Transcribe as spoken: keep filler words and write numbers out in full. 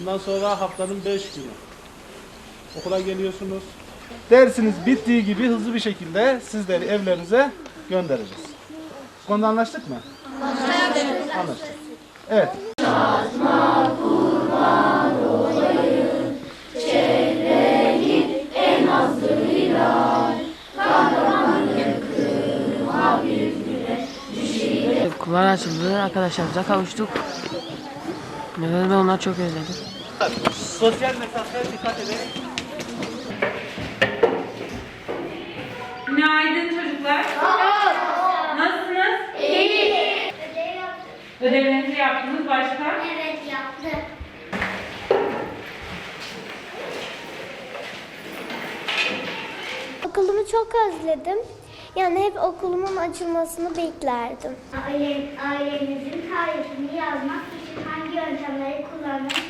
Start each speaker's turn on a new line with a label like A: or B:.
A: Ondan sonra haftanın beş günü okula geliyorsunuz. Dersiniz bittiği gibi hızlı bir şekilde sizleri evlerinize göndereceğiz. Bu konuda anlaştık mı? Anlaştık. Anlaştık. Evet. Çatma kurban olayım, çevrenin en azıyla, kahramanlık kırma bir güne düşüyle.
B: Okullar açıldı, arkadaşlarımıza kavuştuk. Neden ben onları çok özledim.
A: Sosyal mesafeye dikkat edin.
C: Günaydın çocuklar. Nasılsınız?
D: İyi. Ödev yaptık.
C: Ödevlerinizi yaptınız başka?
D: Evet yaptık. Okulumu çok özledim. Yani hep okulumun açılmasını beklerdim. Aile, ailenizin tarifini yazmak için hangi yöntemleri kullanmayı